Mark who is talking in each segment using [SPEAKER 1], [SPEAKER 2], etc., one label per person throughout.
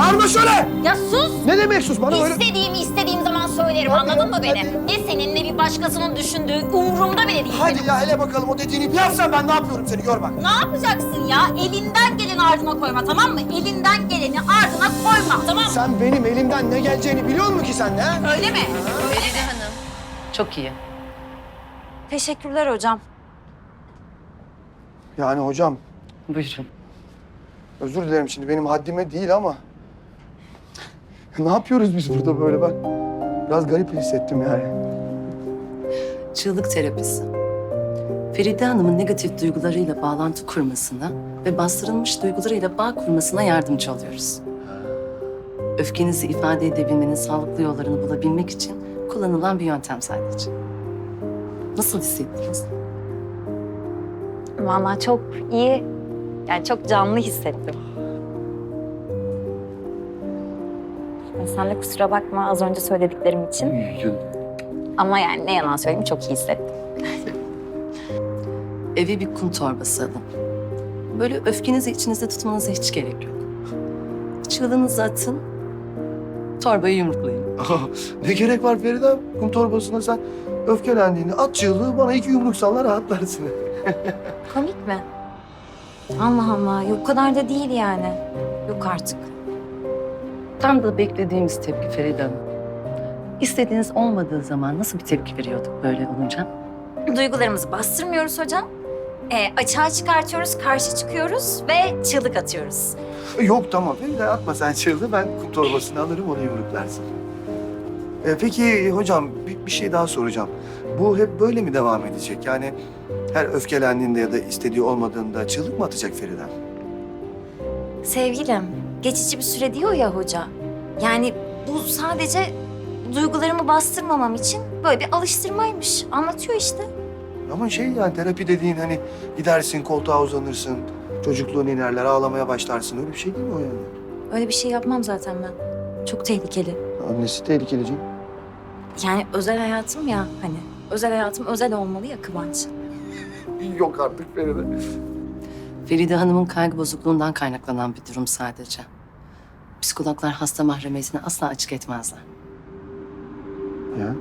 [SPEAKER 1] Bağırma şöyle!
[SPEAKER 2] Ya sus!
[SPEAKER 1] Ne demek sus? Bana öyle...
[SPEAKER 2] İstediğim zaman söylerim,
[SPEAKER 1] Hadi,
[SPEAKER 2] anladın mı beni?
[SPEAKER 1] hadi.
[SPEAKER 2] Ne senin ne bir başkasının düşündüğü umurumda bile değil.
[SPEAKER 1] Hadi ya hele bakalım o dediğini bir yapsan ben ne yapıyorum seni gör bak.
[SPEAKER 2] Ne yapacaksın ya? Elinden geleni ardına koyma, tamam mı? Elinden geleni ardına koyma, tamam mı?
[SPEAKER 1] Sen benim elimden ne geleceğini biliyor musun ki sen ha?
[SPEAKER 2] Öyle mi?
[SPEAKER 3] Feride Hanım. Çok iyi.
[SPEAKER 2] Teşekkürler hocam.
[SPEAKER 1] Yani hocam
[SPEAKER 3] Buyurun.
[SPEAKER 1] özür dilerim şimdi benim haddime değil ama... Ne yapıyoruz biz burada böyle ben? Biraz garip hissettim yani.
[SPEAKER 3] Çığlık terapisi. Feride Hanım'ın negatif duygularıyla bağlantı kurmasına ve bastırılmış duygularıyla bağ kurmasına yardımcı oluyoruz. Öfkenizi ifade edebilmenin sağlıklı yollarını bulabilmek için kullanılan bir yöntem sadece. Nasıl hissettiniz?
[SPEAKER 4] Vallahi çok iyi, yani çok canlı hissettim. Sen de kusura bakma az önce söylediklerim için. Ama yani ne yalan söyleyeyim çok iyi hissettim.
[SPEAKER 3] Eve bir kum torbası alın. Böyle öfkenizi içinizde tutmanıza hiç gerek yok. Çığlığınızı atın, torbayı yumruklayın.
[SPEAKER 1] Ne gerek var Feride? Kum torbasına sen öfkelendiğini at çığlığı bana 2 yumruk salla rahatlarsın.
[SPEAKER 4] Komik mi? Allah Allah, yok o kadar da değil yani. Yok artık.
[SPEAKER 3] Tam da beklediğimiz tepki Feride Hanım. İstediğiniz olmadığı zaman nasıl bir tepki veriyorduk böyle olunca?
[SPEAKER 4] Duygularımızı bastırmıyoruz hocam. Açığa çıkartıyoruz, karşı çıkıyoruz ve çığlık atıyoruz.
[SPEAKER 1] Yok tamam Feride atma sen çığlığı ben kum torbasını alırım onu yumruklarsın. Peki hocam bir şey daha soracağım. Bu hep böyle mi devam edecek? Yani her öfkelendiğinde ya da istediği olmadığında çığlık mı atacak Feride?
[SPEAKER 4] Sevgilim, geçici bir süre diyor ya hoca. Yani bu sadece duygularımı bastırmamam için böyle bir alıştırmaymış. Anlatıyor işte.
[SPEAKER 1] Ama şey yani terapi dediğin hani gidersin koltuğa uzanırsın, çocukluğun inerler ağlamaya başlarsın öyle bir şey değil mi o yani?
[SPEAKER 4] Öyle bir şey yapmam zaten ben. Çok tehlikeli.
[SPEAKER 1] Annesi tehlikeli canım.
[SPEAKER 4] Yani özel hayatım ya hani. Özel hayatım özel olmalı ya Kıvanç.
[SPEAKER 1] Yok artık Feride.
[SPEAKER 3] Feride Hanım'ın kaygı bozukluğundan kaynaklanan bir durum sadece. Psikologlar hasta mahremiyetini asla açık etmezler.
[SPEAKER 1] Ya.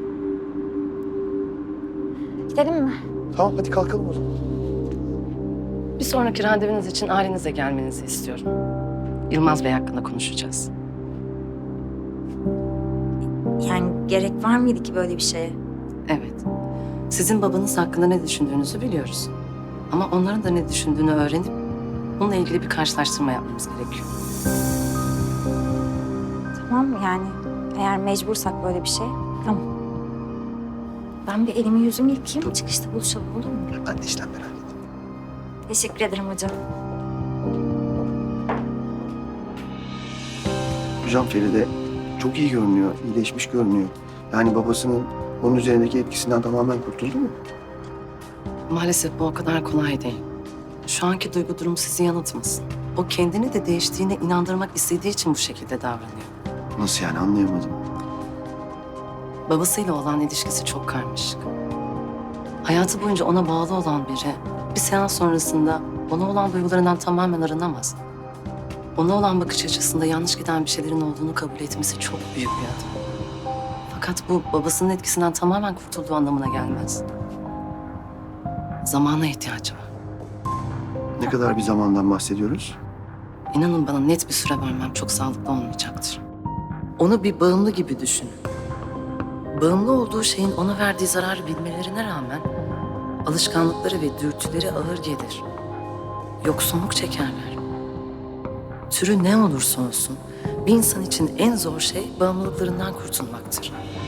[SPEAKER 4] Gidelim mi?
[SPEAKER 1] Tamam hadi kalkalım o zaman.
[SPEAKER 3] Bir sonraki randevunuz için ailenize gelmenizi istiyorum. Yılmaz Bey hakkında konuşacağız.
[SPEAKER 4] Yani gerek var mıydı ki böyle bir şeye?
[SPEAKER 3] Evet. Sizin babanız hakkında ne düşündüğünüzü biliyoruz. Ama onların da ne düşündüğünü öğrenip bununla ilgili bir karşılaştırma yapmamız gerekiyor.
[SPEAKER 4] Tamam yani eğer mecbursak böyle bir şey tamam. Ben bir elimi yüzümü yıkayayım çıkışta buluşalım olur mu?
[SPEAKER 1] Ben de işlemleri halledeyim.
[SPEAKER 4] Teşekkür ederim hocam.
[SPEAKER 1] Hocam Feride çok iyi görünüyor, iyileşmiş görünüyor. Yani babasının onun üzerindeki etkisinden tamamen kurtuldu mu?
[SPEAKER 3] Maalesef bu o kadar kolay değil. Şu anki duygu durumu sizi yanıltmasın. O kendini de değiştiğine inandırmak istediği için bu şekilde davranıyor.
[SPEAKER 1] Nasıl yani anlayamadım.
[SPEAKER 3] Babasıyla olan ilişkisi çok karmaşık. Hayatı boyunca ona bağlı olan biri bir seans sonrasında ona olan duygularından tamamen arınamaz. Ona olan bakış açısında yanlış giden bir şeylerin olduğunu kabul etmesi çok büyük bir adım. Fakat bu babasının etkisinden tamamen kurtulduğu anlamına gelmez. Zamana ihtiyacı var.
[SPEAKER 1] Ne kadar bir zamandan bahsediyoruz?
[SPEAKER 3] İnanın bana net bir süre vermem çok sağlıklı olmayacaktır. Onu bir bağımlı gibi düşünün. Bağımlı olduğu şeyin ona verdiği zararı bilmelerine rağmen alışkanlıkları ve dürtüleri ağır gelir. Yoksunluk çekerler. Türü ne olursa olsun bir insan için en zor şey bağımlılıklarından kurtulmaktır.